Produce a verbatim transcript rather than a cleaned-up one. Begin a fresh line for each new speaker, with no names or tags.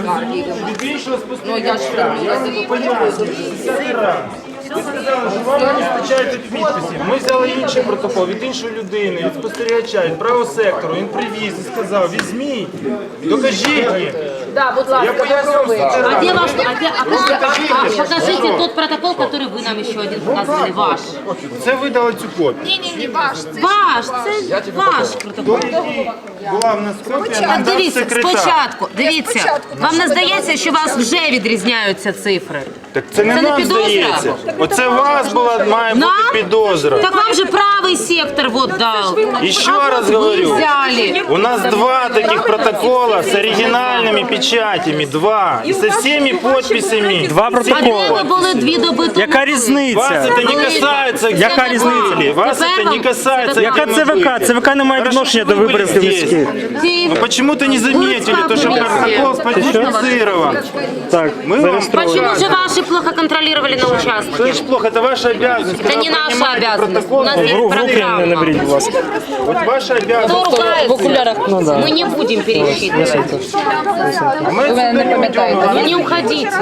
від іншого спостерігача. Я вам пояснюю, десятий раз. Ви сказали, що вам не вистачає тут підписів. Ми взяли інший протокол від іншої людини, від спостерігача, від правого сектору. Він привіз і сказав, візьміть, докажіть їм.
Да, будь
Я
ласка,
пояснюю,
А где ваш, а, где, а,
Покажите.
а, покажите тот протокол, который вы нам еще один показывали, ваш.
це ви дали цю копію.
Ні-ні-ні, ваш. Це
Ваш, це ваш протокол.
Той, який була в нас копія, нам
Так
дав
дивіться,
секретар.
спочатку, дивіться,
спочатку,
вам
ну,
не
що ви
здається, що у вас вже відрізняються цифри?
Так це не
Це не
нам
підозра?
здається. Оце у вас була, має бути
Нам?
підозра.
Так вам же правый сектор вот дал.
Еще
А
раз
вот
говорю.
Вы взяли.
У нас два таких протокола с оригинальными печатями, два, и со всеми подписями.
Два
А де
протоколи.
ви були дві доби тому?
Яка
Вас
різниця?
это не касается,
Яка
граждане.
різниця?
Вас
Тепер
это не
вам-
касается.
Яка
где мы
ЦВК?
были.
ЦВК не має
Хорошо,
відношення
что
до
вы
виборів
были здесь.
міських.
Ці-
Вы почему-то не заметили, то, что протокол сфальсифицирован.
Так,
Мы вам...
зареєстровано.
Почему же ваши плохо контролировали на
Что
участке?
значит плохо? Это ваша обязанность.
Это
Когда
не
вы
наша
принимаете
обязанность.
протокол,
У нас
вы
есть
В руки не
программа.
наберіть, будь ласка.
Вот ваша обязанность.
Кто ругается?
Ну, да.
Мы не будем пересчитывать.
А мы отсюда не уйдем.
Вы не уходите.